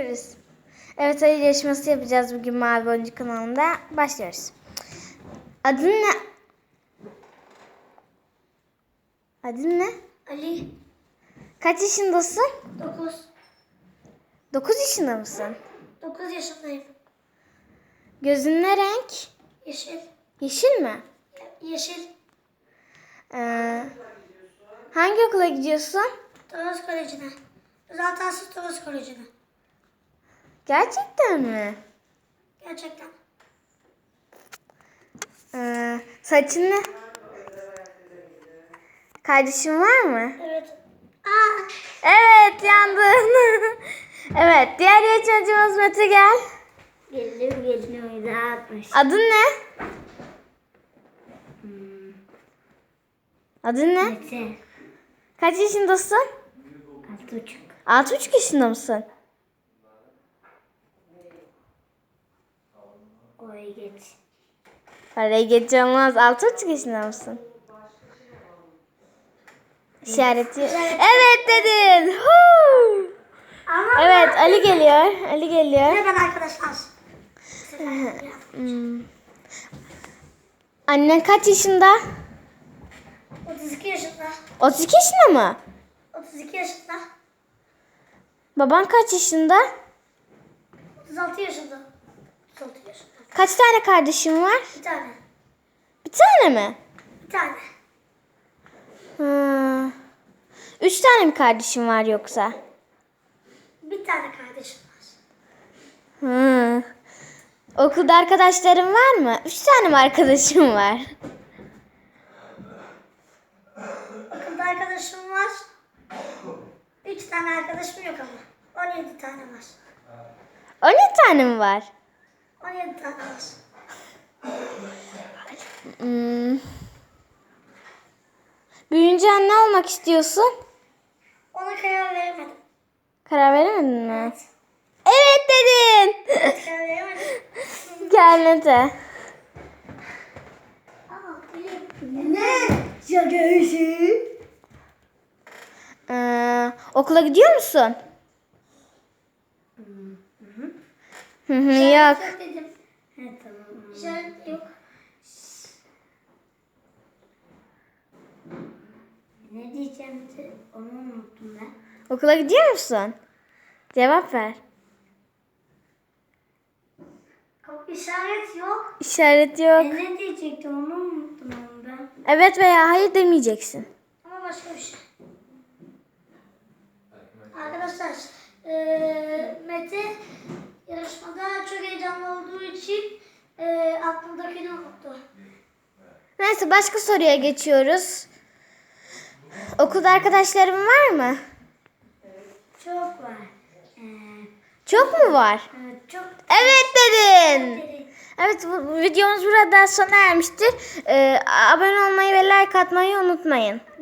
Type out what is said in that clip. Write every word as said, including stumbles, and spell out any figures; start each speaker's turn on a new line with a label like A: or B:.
A: Başlıyoruz. Evet, ayı yarışması yapacağız bugün Mavi Boncuk kanalında. Başlıyoruz. Adın ne? Adın ne?
B: Ali.
A: Kaç yaşındasın?
B: Dokuz.
A: Dokuz yaşında mısın?
B: Dokuz yaşındayım.
A: Gözün ne renk?
B: Yeşil.
A: Yeşil mi?
B: Yeşil.
A: Ee, hangi okula gidiyorsun?
B: Toros Koleji'ne. Özel tahsis Toros Koleji'ne.
A: Gerçekten mi?
B: Gerçekten.
A: Ee, saçın ne? Kardeşin var mı?
B: Evet. Aa.
A: Evet, yandın. Evet, diğer yarışmacımız Mete, gel.
B: Geliyor geliyor. Rahatmış.
A: Adın ne? Adın ne?
B: Mete.
A: Kaç yaşındasın?
B: Altı buçuk.
A: Altı buçuk yaşında mısın?
B: Oraya geç.
A: Parayı geç olmaz. Altı buçuk yaşında mısın? İşareti. Evet dedin. Huu!
B: Ama
A: Evet, Ali geliyor. Ali geliyor.
B: merhaba arkadaşlar.
A: Hmm. Annen kaç yaşında?
B: otuz iki yaşında.
A: otuz iki yaşında mı?
B: otuz iki yaşında.
A: Baban kaç yaşında?
B: otuz altı yaşında. otuz altı yaşında.
A: Kaç tane kardeşin var?
B: Bir tane.
A: Bir tane mi?
B: Bir tane.
A: Hmm. Üç tane mi kardeşin var yoksa?
B: Bir tane kardeşim var.
A: Hmm. Okulda arkadaşların var mı? Üç tane mi arkadaşım var?
B: Okulda arkadaşım var. Üç tane arkadaşım yok ama. On yedi tane var.
A: On yedi tane mi var?
B: On yedi tane var.
A: Hmm. Büyüyünce ne olmak istiyorsun?
B: Ona karar veremedim.
A: Karar veremedin mi?
B: Evet.
A: Evet dedin.
B: Evet, karar veremedim.
A: Gel Mete.
B: Ne? Şakası.
A: Ee, okula gidiyor musun? Hı hı, yok.
B: Yok dedim. Evet tamam. İşaret yok. Ne diyeceğim de onu unuttum ben.
A: Okula gidiyor musun? Cevap ver.
B: Yok, İşaret yok.
A: İşaret yok.
B: E, ne diyecektim onu unuttum onu ben.
A: Evet veya hayır demeyeceksin.
B: Ama başka bir şey. Arkadaşlar eee Mete yarışmada çok heyecanlı olduğu için eee aklındakini unuttu.
A: Neyse, başka soruya geçiyoruz. Okulda arkadaşların var mı?
B: Çok var. Eee
A: Çok mu var?
B: evet, çok
A: Evet dedin.
B: derin.
A: Evet, bu bu videomuz burada sona ermiştir. Ee, abone olmayı ve like atmayı unutmayın.